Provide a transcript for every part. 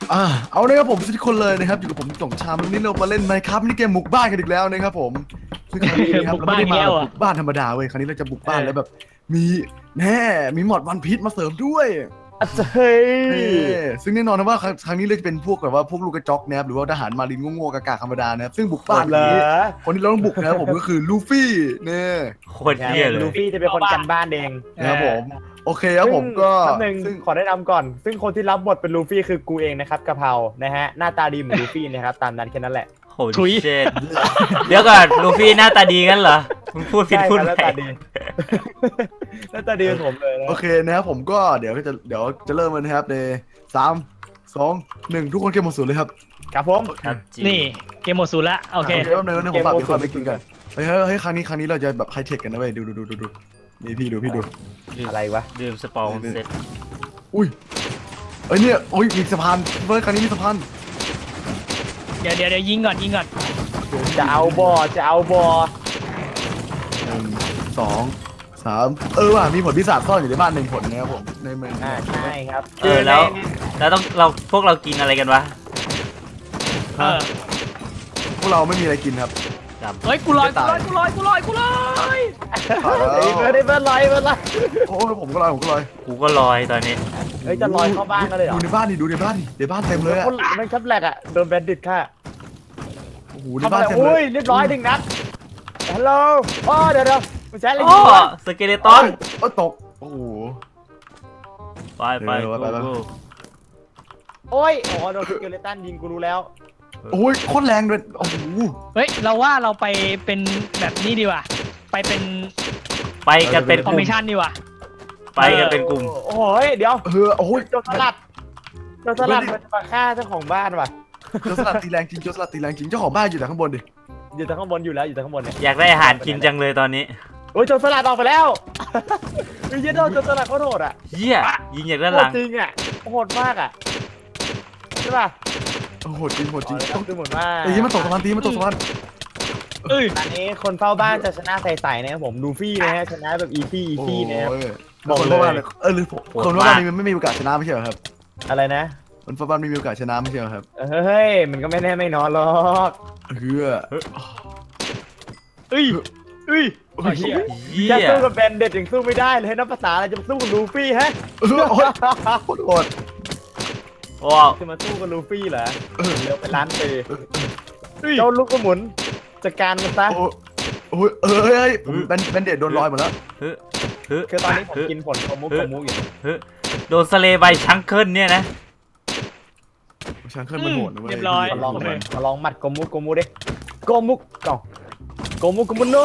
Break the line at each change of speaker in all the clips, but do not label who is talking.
เอาเลยครับผมทุกคนเลยนะครับอยู่กับผมจ่องชามวันนี้เรามาเล่นไมค์ครับนี่เกมบุกบ้านกันอีกแล้วนะครับผมซึ่งครั้งนี้นะครับเราไม่ได้มาบุกบ้านธรรมดาเว้ยครั้งนี้เราจะบุกบ้านแล้วแบบมีมีหมอดวันพีชมาเสริมด้วย
เฮ้ย
ซึ่งแน่นอนนะว่าครั้งนี้เราจะเป็นพวกแบบว่าพวกลูกกระจอกนะครับหรือว่าทหารมารินโง่ๆกากๆธรรมดานะครับซึ่งบุกบ้านนี้คนที่เราต้องบุกนะครับผมก็คือลูฟี่เนี่ย
โคตรเยี่ยเลย
ลูฟี่จะเป็นคนกันบ้านเอง
นะครับผมโอเคครับผมก็
ซึ่งขอแนะนำก่อนซึ่งคนที่รับบทเป็นลูฟี่คือกูเองนะครับกะเพรานะฮะหน้าตาดีเหมือนลูฟี่นะครับตามนั้นแค่นั้นแหละ
โหเจ็ดเดี๋ยวก่อนลูฟี่หน้าตาดีกันเหรอมึงพูดผิดพูดไป
หน้าตาดีผมเลย
โอเคนะครับผมก็เดี๋ยวจะเริ่มกันนะครับใน3 2 1ทุกคนเกมหมดศูนย์เลยครับ
ครับผม
นี่เกมหมดศูนย์ละโอเค
เดี๋ยวผมฝากพี่คอยไปกินกันเฮ้ยครั้งนี้เราจะแบบไฮเทคกันนะเว้ยดูนี่พี่ดู
อะไรวะ
ดื่มสปองเสร็จ
อุ้ยเนี่ยโอ้ยมีสะพานเฮ้ยครั้งนี้มีสะพาน
เดี๋ยวยิงก่อน
จะเอาบอ1 2
3ว่ะมีผลพิศาจซ่อนอยู่ในบ้าน1 ผลนะครับผมในเมือง
ใช่ครับ
แล้วพวกเรากินอะไรกันวะ
พวกเราไม่มีอะไรกินครับ
เฮ้ยกูลอย
ได้เบิร์ดลอย
โอ้ผมก็ลอย
กูก็ลอยตอนนี้
เฮ้ยจะลอยเข้าบ้านกันเลยเหรอ
ดูในบ้านเต็มเลยอ่ะ
มันครับแหลกอ่ะโดนแบนดิตค่ะ
โอ้โหในบ้านเต็มเลย
เรียบร้อย1 นัดฮัลโหลเดี๋ยวไม่ใช่เลย
สเกเลตอน
ตกโอ้โห
ไป
โดนสเกเลตันยิงกูรู้แล้ว
โอ้ยโคตรแรงเลยโอ้โห
เฮ้ยเราว่าเราไปเป็นแบบนี้ดีกว่าไป
กันเป็น
คอมมิชชั่นดีกว่า
ไปกันเป็นกลุ่ม
โอ้ยเดี๋ยว
โอ้ย
โจรสลัดมันจะมาฆ่าเจ้าของบ้านว่ะ
โจรสลัดตีแรงจริงเจ้าของบ้านอยู่แต่ข้างบนดิ
อยู่แต่ข้างบนอยู่แล้วอยู่แต่ข้างบนเนี่ย
อยากได้อาหารกินจังเลยตอนนี้
โอ้ยโจรสลัดออกไปแล้วเยอะโจรสลัดเขาโหดอ่ะ
เหี้ยยิงอย่างด้านหลัง
จริงอ่ะโหดมากอ่ะใช่ป่ะ
โหดจริง
ต้องดูหมดว่า
ตีมันตกสะพาน
อันนี้คนเฝ้าบ้านจะชนะใสๆนะครับผมลูฟี่นะฮะชนะแบบอีซี่นะครับ
บอกเลยหรือคนว่าบ้านมันไม่มีโอกาสชนะไม่ใช่เหรอครับ
อะไรนะ
คนเฝ้าบ้านไม่มีโอกาสชนะไม่ใช่เหรอครับ
เฮ้ยมันก็ไม่แน่ไม่นอนหรอกจะสู้กับแบนเด็ดยังสู้ไม่ได้เลยนับภาษาอะไรจะสู้กับลูฟี่ฮะ
โหด
จะมาสู้กับลูฟี่เหรอเร็วไปล้านปีเจ้าลูกกระหมุนจัดการมันซะ
แบนเด็ดโดนลอยหมดแล้ว
คือตอนนี้ผมกินผลโกมุอยู่
โดนสเลย์ใบชังเคิลเนี่ยนะ
ชังเคิลมันโหดนะเว้ย
เรียบร้อย
มาลองหมัดโกมุดิโกมุโน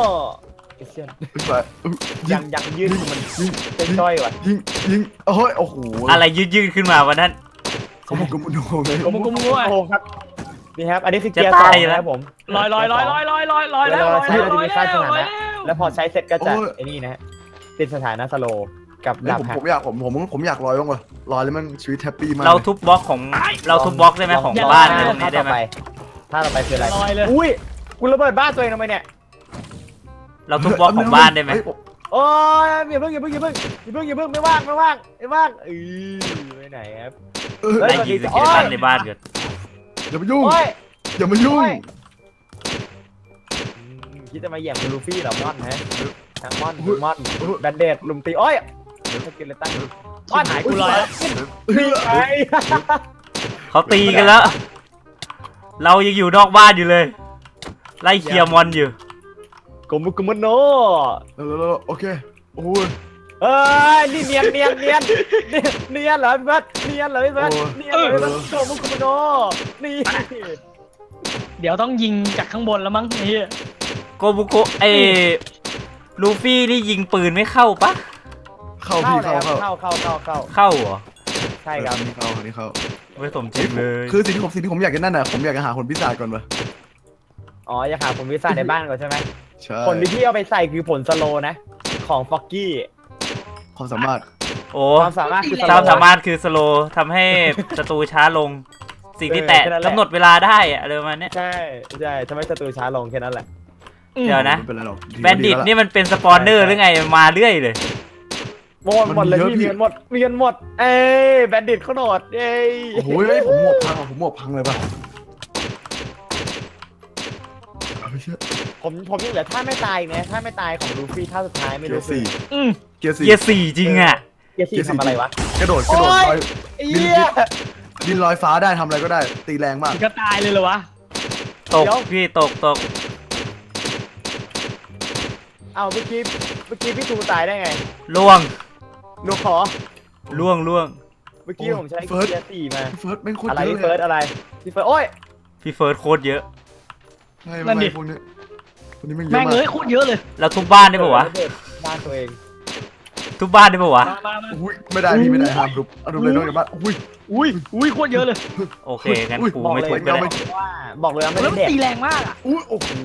ยังยืดมันเป็นจ้อยว่ะ
ยิงโอ้โห
อะไรยืดขึ้นมาวันนั้น
โกมุโนเลย
โกมุ
ครับนี่ครับอันนี้คือเกียร์2นะครับผม
ลอยแล้ว
ใช้จะมีค่าสถานะแล้วพอใช้เสร็จก็จะไอ้นี่นะฮะติดสถานะสโลกับดาบ
ผมอยากลอยบ้างวะลอยแล้วมันชีวิตแฮปปี้มาก
เราทุบบล็อกได้ไหมของบ้านตรงนี้ได้ไหม
ถ้าเราไปคืออะไรอุ้ยกูระเบิดบ้านตัวเองทำไมเนี่ย
เราทุบบล็อกของบ้านได้ไหม
โอ้ยอย่าเพิ่งไม่ว่างไปไหนครับ
ไล่ยิงสกิลตันในบ้านเกิด
อย่ามายุ่ง
คิดจะมาแย่งลูฟี่เหรอมอนฮะทั้งมอนแบนเดดลุมตีสกิลตัน
มอนหายกูลอย
เขาตีกันแล้วเรายังอยู่นอกบ้านอยู่เลยไล่เคลียร์มอนอยู่
โกมุโน
โอเคโอ้ย
นี่เนียนเหรอพี่บัสเนียนโกมุโนนี่
เดี๋ยวต้องยิงจากข้างบนแล้วมั้งนี่
โกมุโกลูฟี่นี่ยิงปืนไม่เข้าปะ
เข้า
เหรอใช่ครับ
นี่เข้า
ไม่สมจริงเลย
คือสิ่งที่ผมอยากจะนั่นน่ะผมอยากจะหาคนพิศาจก่อนวะ
อยากหาผลพิศาจในบ้านก่อนใช่ไหม
ใช่
ผลที่พี่เอาไปใส่คือผลสโลนะของฟ็อกกี้
ความสามารถ
ความสามารถ
คือสโลทำให้ศัตรูช้าลงสิ่งที่แตะกำหนดเวลาได้อะอะไรประมาณนี้
ใช่ทำให้ศัตรูช้าลงแค่นั้นแหละ
เดี๋ยวนะแบนดิตนี่มันเป็นสปอนเนอร์หรือไงมาเรื่อยเลย
หมดเลยพี่มีเงินหมดเอ้ยแบนดิตเขาโหดเอ้ย
โอ้โหผมหมวกพังเลยป่ะเอาเชื่อ
ผมยังเหลือท่าไม่ตายนะท่าไม่ตายของลูฟี่ท่าสุดท้ายไม่
เกี
รู้
ยร์สี่
เกียร์สี่จริงอ่ะ
เกียร์สี่ทำอะไรวะ
กระโดดลอย บินลอยฟ้าได้ทำอะไรก็ได้ตีแรงมาก
ก็ตายเลยเหรอวะ
ตกพี่ตก
เอาเมื่อกี้พี่ทูตายได้ไง
ล่วง
หนูขอ
ล่วง
เมื่อกี้ผมใช้เกียร์สี่มา
เฟิร์สแม่งโคตร
อะไร
เยอะ
พี่เฟิร์สอะไรพี่เฟิร์สโอ้ย
พี่เฟิร์สโคตรเยอะ
ใช่ไม่พวกนี้แม่งเยอะ
แม่ง
มาก
เลยโคตรเยอะเลย
เราทุบบ้านได้ปะวะ
บ้านตัวเอง
ทุบบ้านได้ปะวะ
มา
อุ้ยไม่ได้พี่ไม่ได้ห้ามทุบเอาทุบเลยนอกจากบ้านอุ้ย
โคตรเยอะเลย
โอเคงั้นกู
บอก
ไม่
เลย
ทุบก็ได้
ว่าบอกเลยว่าไม่
แล้ว
ได้
มัน
เด็ก
ตีแรงมากอ่ะ
อุ้ยโอ้โห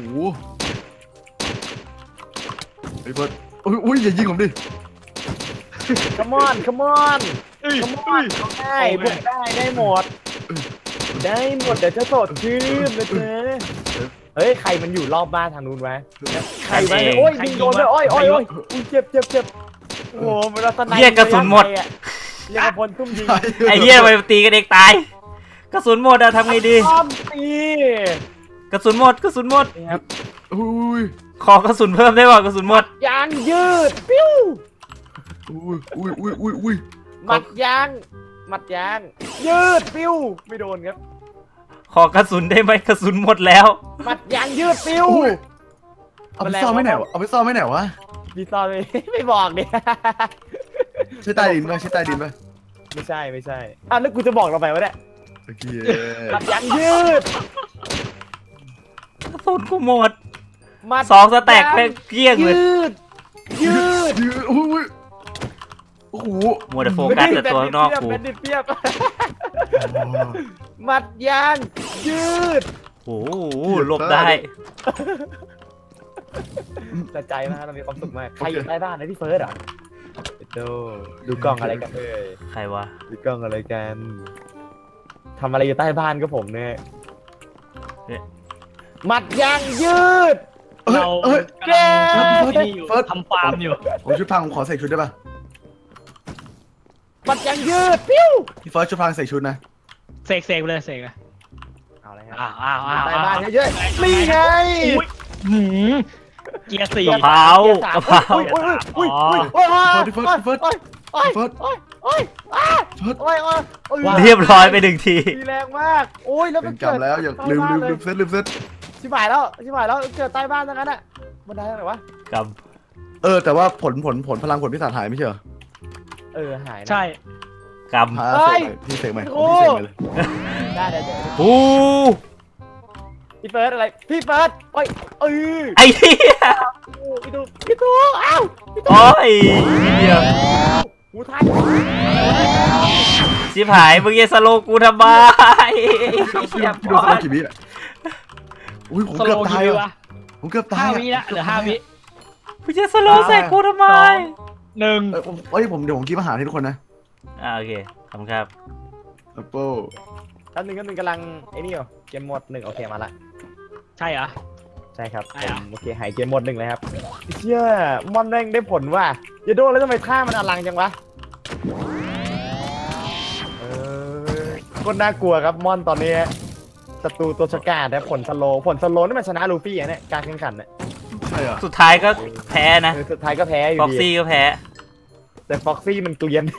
ไอ้เฟิร์สอุ้ยอย่ายิงผมดิ
คัมอนคัมอนได้บุกได้หมดเดี๋ยวจะสดชื่นนะเธอเฮ้ยใครมันอยู่รอบบ้านทางนู้นวะใครวะโอ้ยยิงโดนเลยโอ้ยเจ็บโอ้โหมันรัตนัย
เหี้ยกระสุนหมด
เรียกพลซุ่มยิง
ไอ้เหี้ยไปตีกันเองตายกระสุนหมดอะทำไงดี
อ้อมตี
กระสุนหมด
นี่ครับ
อุ้ย
ขอกระสุนเพิ่มได้ป่ะกระสุนหมด
ยางยืดปิ้ว
อุ้ย
มัดยางยืดปิ้วไม่โดนครับ
ขอกระสุนได้ไหมกระสุนหมดแล้ว
มัดยางยืดปิ้ว
เอาไปซ่อนไม่ไหนวะ
พี่ตอนไม่บอกดิ
ใช่ใต้ดินป่ะ
ไม่ใช่อ่ะแล้วกูจะบอกเราไปวะเนี่ย
โอเค
มัดยางยืด
กระสุนกูหมด
มัด
2 สแต็กแม่งเกลี้ยงเลย
ยืด
อุ้ยโอ้โห
มัวแต่โฟกัสแต่ตัวข้างนอกกู
แบนดิตเปียบมัดยางยืด
โอ้โหหลบได้
แต่ใจมากเรามีความสุขมากใครอยู่ใต้บ้านนะพี่เฟิร์สอ่ะดูกล้องอะไรกันเลย
ใครวะ
ดูกล้องอะไรกันทำอะไรอยู่ใต้บ้านก็ผมเนี่ยมัดยางยืด
เรา
แก
ทำฟาร์มอยู่
ผมชุดพังผมขอใส่ชุดได้ป่ะ
มัดยางยืดปิ้ว
พี่เฟิร์สชุดพังใส่ชุดนะ
เสกไปเลยเสกเลย
เอาอะไรฮะ
อ้าว
ใต้บ้านเยอะๆนี่ไง
เกียร์สี่
กะเพรากะเพรา
อุ้ย
พี่เฟิร์ส
เรียบร้อยไป1 ที
ดีแรงมากโอ้ยแล้วมัน
จำแล้วอย่าลืมเซต
ชิบหายแล้วเกิดใต้บ้านทั้งนั้นอ่ะบันไดอะไรวะ
กับ
แต่ว่าผลพลังผลพิศาจหายไม่ใช่เหรอ
หายนะ
ใช่
กับ
พี่เสกใหม่
โอ้
พี่เสกใหม่เลย
ได้เดี๋ยว
โอ้
พี่เฟิร์สอะไรพี่เฟิร์สโอ้ย
ไอ้เหี้ย
พี่ตูอ้าว
โอ้ยเดี๋ยว
หูท้าย
ชิบหายมึงจะสโลกูทำไม
พี่โดนสโลกี่วิอ่ะอุ้ยผม
ส
เกื
โล
อบตาย
กี่วิ
อ่ะ
วะ
ผมเกือบตาย
5 วิละเหลือ 5 วิ
มึงจะสโลใส่กูทำไม
1
เดี๋ยวผมกินอาหารให้ทุกคนนะ
โอเคขอบคุณครับ
แอปเปิ้ล
แป๊บนึงกำลังไอ้นี่อยู่เกมหมด1โอเคมาละ
ใช่เหรอ
ใช่ครับ
ใช่เหรอ
โอเคหายเกมหมด1เลยครับเชื่อมอนแม่งได้ผลว่ะอย่าโดนแล้วทำไมท่ามันอลังจังวะก็น่ากลัวครับมอนตอนนี้ศัตรูตัวฉกาจนะผลสโลนี่มันชนะลูฟี่อ่ะเนี่ยการแข่งขันเนี่ย
ใช่เหรอ
สุดท้ายก็แพ้นะ
สุดท้ายก็แพ้อยู่
ฟ็อก
ดี
ซี่ก็แพ้
แต่ฟ็อกซี่มันเกลียน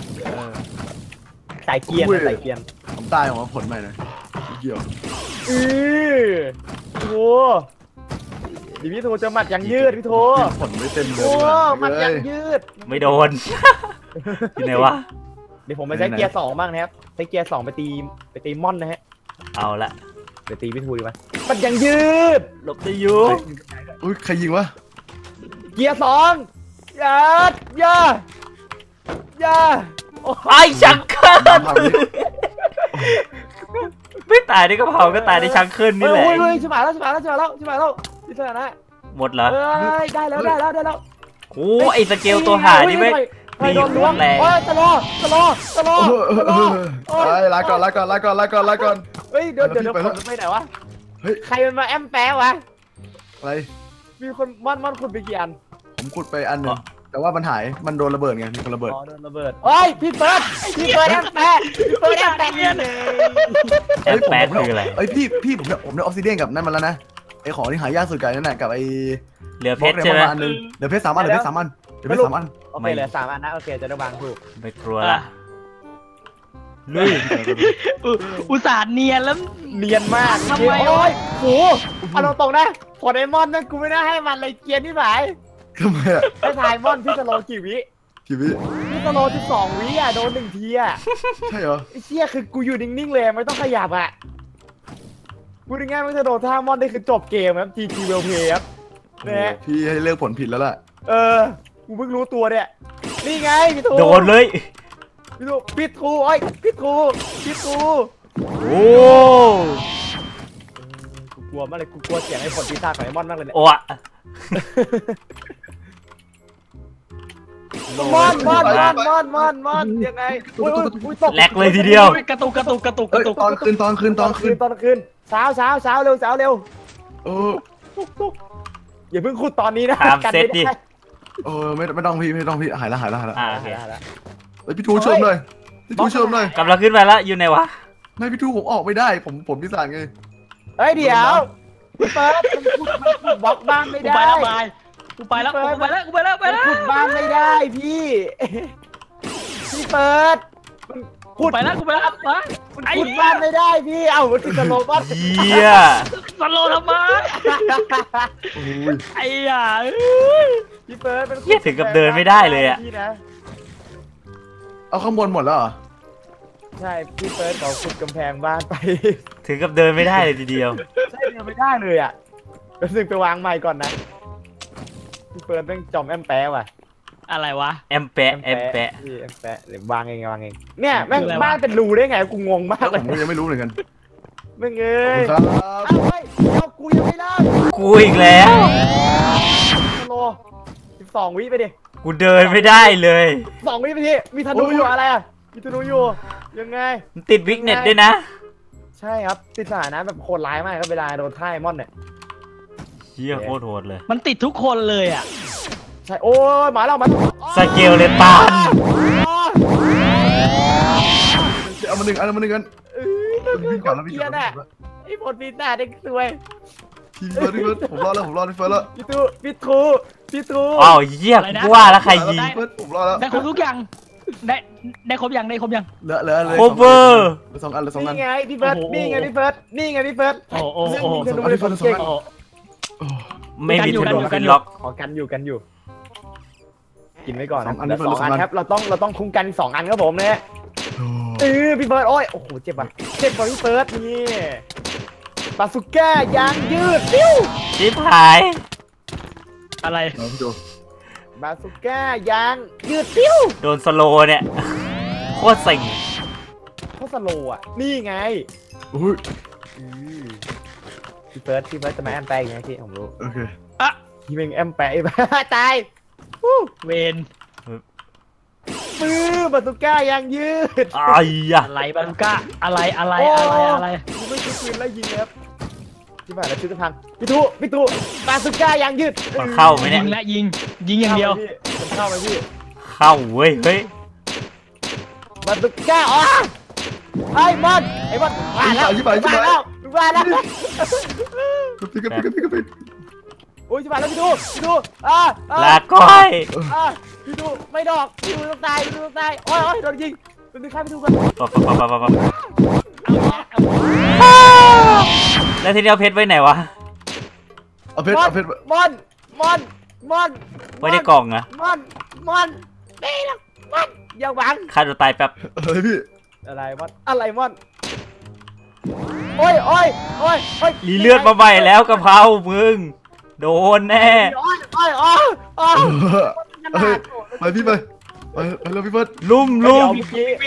สายเกลียนสายเกลียน
ผมตายออกมาผลใหม่นะเกี่ยว
โอ้ดิพี่โทจะหมัดยังยืดพี่โท
ผลไม่เต็มเลย
โอ้หมัดยังยืด
ไม่โดน ที่ไหนวะ
เดี๋ยวผมไปใช้เกียร์2บ้างนะครับใช้เกียร์2ไปตีม่อนนะฮะ
เอาละ
ไปตีพี่ทูดีไหมหมัดยังยืด
หลบได้อยู่
อุ้ยใครยิงวะ
เกียร์2อย่า
ไอ้ชังเคิล
ทำนี้
ไม่ตายในกระเพราก็ตายในชังเคิลนี่แหละ
โอ้ยชิบหายแล้วที่สถานะ
หมดเหรอ
ได้แล้ว
โอ้ไอ้สเกลตัวหานี่ไม่
ไม่โดนล้วง
แรง
โอ้ยตะลอ
ลาก่อน
เฮ้ยเดี๋ยวผมไปไหนวะใครมันมาแอมแปะวะ
อะไร
มีคนม่อนขุดไปกี่อัน
ผมขุดไปอันหนึ่งแต่ว่ามันหายมันโดนระเบิดไงมีคนระเบิด
อ๋อโดนระเบิดโอ้ยพี่เฟิร์สแอมแปะเนี่ย
แอมแปดคืออะไร
เอ้ยพี่ผมได้ออฟซิเดียนกับนั่นมาแล้วนะไอของที่หายากสุดกันนั่นแหละกับไอ
เหลือเพชร
บล็อก
ใช่ไหม
ประาณนึงเดี๋ยวเพชร3 อันเดี๋ยวเพชร3 อันเดี๋ยวเพชร3 อัน
โอเคเหลือ3 อันนะโอเคจะได้วางถูก
ไม่กลัวละลุย
อุตส่าห์เนียนแล้ว
เนียนมาก
ทำไม
โอ้ยโหเอาตรงๆนะพอไดมอนด์นั่นกูไม่ได้ให้มันเลยเกียร์ที่ไหน
ทำไมอ่ะ
ให้ทายมอนพี่สโลกี่วิ
กี่วิ
พี่สโล12 วิอ่ะโดน1 ทีอ่ะ
ใช่เหรอ
ไอ้เชี่ยคือกูอยู่นิ่งๆเลยไม่ต้องขยับอ่ะพูดง่ายๆไม่จะโดนท่ามอนได้คือจบเกมครับ GG Well Play ครับนะฮะ
พี่ให้เลือกผลผิดแล้วล่ะ
กูเพิ่งรู้ตัวเนี่ยนี่ไงพี่ทู
โดนเลย
พี่ทูพี่ทูโอ้ยพี่ทู
โอ้
กูกลัวมากเลยกูกลัวเสียงไอ้ผลปีศาจของไอ้มอนมากเลยเนี่ย
โอ้อะ
มอนยังไงอุ้ยตก
แหลกเลยทีเดียว
กระตุก
เอ้ยตอนคืน
ตอนคืนเช้าเร็ว
เออ
ทุกอย่าเพิ่งขุดตอนนี้นะ
ตามเซตดิ
เออไม่ต้องพี่หายละ
อ่าโอเค
เฮ้ยพี่ทูเชื่อมเลยพี่ทูเชื่อมเลย
กำลังขึ้นไปแล้วอยู่ไหนวะ
ไม่พี่ทูผมออกไม่ได้ผมพิสานไง
เฮ้ยเดี๋ยวพี่เฟิร์สมันขุดบล็อกบ้านไม่
กู
ได้
ไปแล้ว
ขุดบ้านไม่ได้พี่เฟิร์ส
กูไปแล้วไอ้
ขุดบ้านไม่ได้พี่เอ้ามันคือสโลว์บ้าน
เยี่ย
สโลทำไม
โอ้ย
ไอ้ห่า
พี่เฟิร์สมัน
เยี่ยถึงกับเดินไม่ได้เลยอะ
พี่นะ
เอาข้างบนหมดแล้วเหรอ
ใช่พี่เฟิร์สขอขุดกำแพงบ้านไป
ถึงกับเดินไม่ได้เลยทีเดียว
ใช่เดินไม่ได้เลยอ่ะเดี๋ยวสึกไปวางใหม่ก่อนนะพี่เฟิร์สแม่งจอมแอมแปะว่ะ
อะไรวะ
แอมแปะ
พี่แอมแปะเดี๋ยววางเองเนี่ยแม่งบ้านเป็นรูได้ไงกูงงมากเลย
ผมยังไม่รู้เหมือนกัน
แม่งเอ้
ขอบ
ย
คุณครับ
เอาเฮ้ยเอากูยังไม่เลิก
กูอีกแล้ว
สโล12 วิไปดิ
กูเดินไม่ได้เลย
2 วิไปดิมีธนูอยู่อะไรอ่ะมีธนูอยู่ยังไง
มันติดวิกเน็ตด้วยนะ
ใช่ครับติดสถานะแบบโคตรร้ายมากครับเวลาโดนท่ายมอนเนี่ย
เยี่ยโคตรโหดเลย
มันติดทุกคนเลยอ่ะ
ใช่โอ้ยหมาเรามา
สเกลเลยปัน
เอามาหนึ่งกันวิ่งก่อนแล้ววิ่ง
เกีย
ก่อน
ร์น่ะไอ้ผลปีศาจเด็กสวย
พี่เฟิร์สผมรอแล้วพี่เฟิร์สแล้ว
พี่ทู
อ้าวเยี่ยกูว่าแล้วใครยิง
พี่เฟิร์สผมรอแล้ว
ได้ครบทุกอย่างได้ครบยัง
เหลือ
โคเวอร์
2 อันเหลือ2 อัน
นี่ไงพี่เฟิร์สนี่ไงพี่เฟิร์สนี่ไงพี่เฟิร์ส
โอ้โห
ธนูเลยคนเก่ง
ไม่มีธนูขึ้นล็อก
ขอกันอยู่กินไว้ก่อนนะ2 อันครับเราต้องคุ้มกัน2 อันครับผมเนี่ยพี่เฟิร์สโอ้ยโอ้โหเจ็บกว่าพี่เฟิร์สนี่บาสุก้ายางยืดปิ้ว
ชิบหาย
อะไร
พี่ดู
บาสุก้ายางยืดปิ้ว
โดนสโลว์เนี่ย โคตรเซ็ง
เขาสโลว์อ่ะนี่ไง
อุ้ย
พี่เฟิร์สจะมาแอมแปะอีกไงพี่ผมรู้
โอเค
อะ
พี่เป็นแอมแปะตาย
เวน
บาสุก้ายางยืด
อ้ายยะ
อะไรบาลูก้าอะไร
กูไม่คิดปืนแล้วยิงเลยครับที่บ้านแล้วชุดจะพังพี่ทูบาสุก้ายางยืด
มันเข้าไหม
ยิ
เนี่ย
งและยิงอย่างเดียว
มันเข้าไปพี่
เข้าเว้ยเฮ้ย
บาสุก้าอ๋อไอ้บอลมาแล้ว
พี่
โอ้ยชิบหายแล้วพี่ทู
ลาก้อย
พี่ทูไม่ดอกพี่ทูต้องตายโอ้ยโดนยิงเป็นข้าพี่ทูกัน
ปั๊บแล้วทีนี้เอาเพชรไว้ไหนวะ
เอาเพชร
มอน
ไว้ในกล่องอะ
มอนนี่นะมอนอย่าหวัง
ฆ่าตัวตายแป๊บ
เฮ้ยพี่
อะไรมอนโอ้ย
รีเลือดมาใหม่แล้วกะเพรามึง โดนแน่
โอ้ย
ไปพี่ไปแล้วพี่เฟิร์ส
ลุ่ม
วิ่ง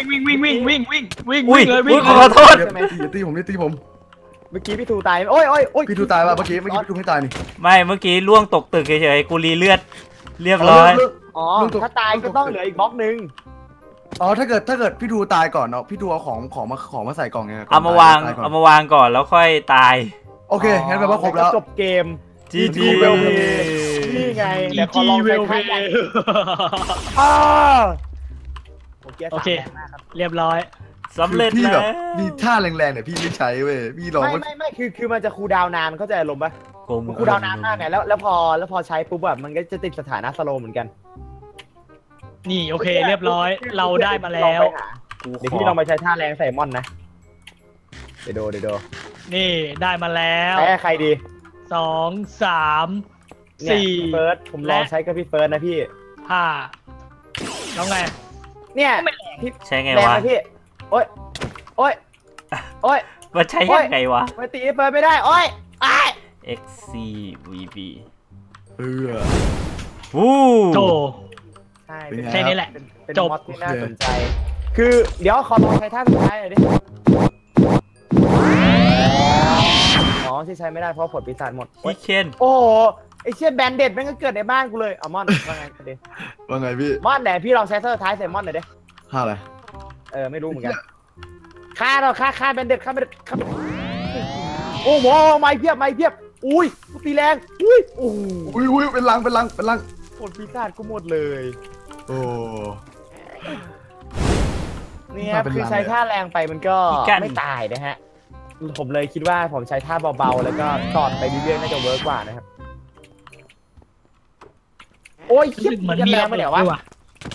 อุ้ย
เลย
อุ้ยขอโทษ
อย่าตีผม
เมื่อกี้พี่ทูตายโอ้ย
พี่ทูตายป่ะเมื่อกี้พี่ทูไม่ตายนี่
ไม่เมื่อกี้ล่วงตกตึกเฉยๆกูรีเลือดเรียบร้อย
อ๋อถ้าตายก็ต้องเหลืออีกบล็อกนึง
อ๋อถ้าเกิดพี่ทูตายก่อนเนาะพี่ทูเอาของมาใส่กล่องไง
เอามาวางก่อนแล้วค่อยตาย
โอเคงั้นแปลว่าครบแล้ว
จบเกม
GG
นี่ไง
อี
เดี๋ยวขอ
จี
ลอง
เว
ใช้
ลเพ
ท่า
ย์
แรงอ้าโอเค
เรียบร้อย
สำเร็จ
พี่
แล้
แบ
ว
บมีท่าแรงๆเนี่ยพี่ไม่ใช้เว้ยพี่ลอง
ไม่คือมันจะคูลดาวน์นานเข้าใจอารมณ์ปะ
กลม
มันคูลดาวน์นานมากไงแล้วพอใช้ปุ๊บแบบมันก็จะติดสถานะสโลว์เหมือนกัน
นี่โอเคเรียบร้อย เราได้มาแล้ว
กู
เดี๋ยว
ข
พี่
อ
ลองไปใช้ท่าแรงใส่มอนนะเดี๋ยวดู
นี่ได้มาแล้ว
ใช้ใครดี
2 3
เนี่ย
4
เฟิร์สผมลองใช้กับพี่เฟิร์สนะพี่
5แล้วไง
เนี่ย
ใช้ไง
แรง
วะ
ไหมพี่โอ๊ย
มันใช้ยังไงวะ
ไม่ตีเฟิร์สไม่ได้โอ๊ยอ้าย
XCVB
วู้
โถ
ใช่
เป็นไง
แค่นี้แหละ
เป็น
จบ
มอดที่น่าสนใจ คือเดี๋ยวขอลองใช้ท่าสุดท้ายหน่อยดิอ๋อที่ใช้ไม่ได้เพราะผลปีศาจหมด
พี่เคน
โอ้โหไอเชี่ยแบนเด็ดแม่งก็เกิดในบ้านกูเลยเอามอนว่าไงดิ
ว่าไงพี่
มอนไหนพี่ลองใช้ท่าสุดท้ายใส่มอนหน่อยดิ
ท่าอะไร
ไม่รู้เหมือนกันฆ่าเราฆ่าแบนเด็ดฆ่าโอ้โหไม่เพียบอุ้ยกูตีแรงอุ้ยโอ้โห
อุ้ยเป็นลัง
ผลปีศาจกูหมดเลย
โอ้
เนี่ย
มาเป็น
คือ
ลัง
ใช้
เลย
ท่าแรงไปมันก็ไม่ตายนะฮะผมเลยคิดว่าผมใช้ท่าเบาๆแล้วก็ตอดไปเรื่อยๆน่าจะเวิร์กกว่านะครับโอ้ย
รู้สึกเหมือนมี
แร
ระ
งไป
เบิด
เดี๋ยว
ด้
วะ
วยว่ะ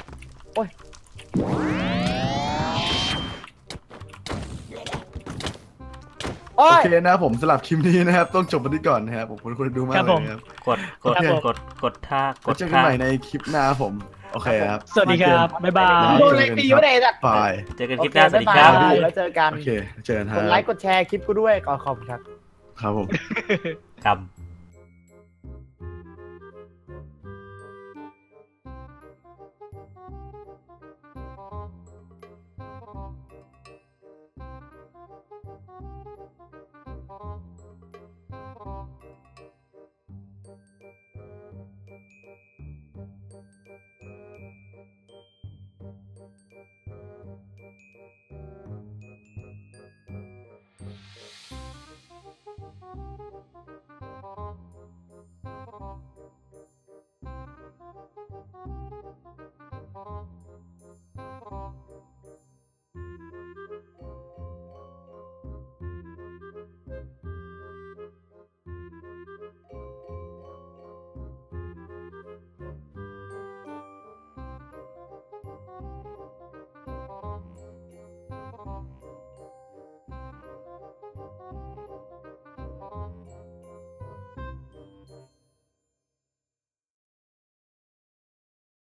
โอ้
โอย เคนะครับผมสำหรับคลิปนี้นะครับต้องจบไปที่ก่อนนะครับผมคนดูมากเลยนะครับ
กดท่า
แล้วเจอกันใหม่ในคลิปหน้าครับผมโอเคครับ
สวัสดีครับบ๊ายบาย
โดนเลยตีไม่ได้จัด
บาย
เจอกันคลิปหน้าสวัสดีครับ
โอเแล้วเจอกัน
โอเคเจอกันค
ก
รับ
ดไลค์กดแชร์คลิปกูด้วยขอบคุณครับ
ครับผม
กำ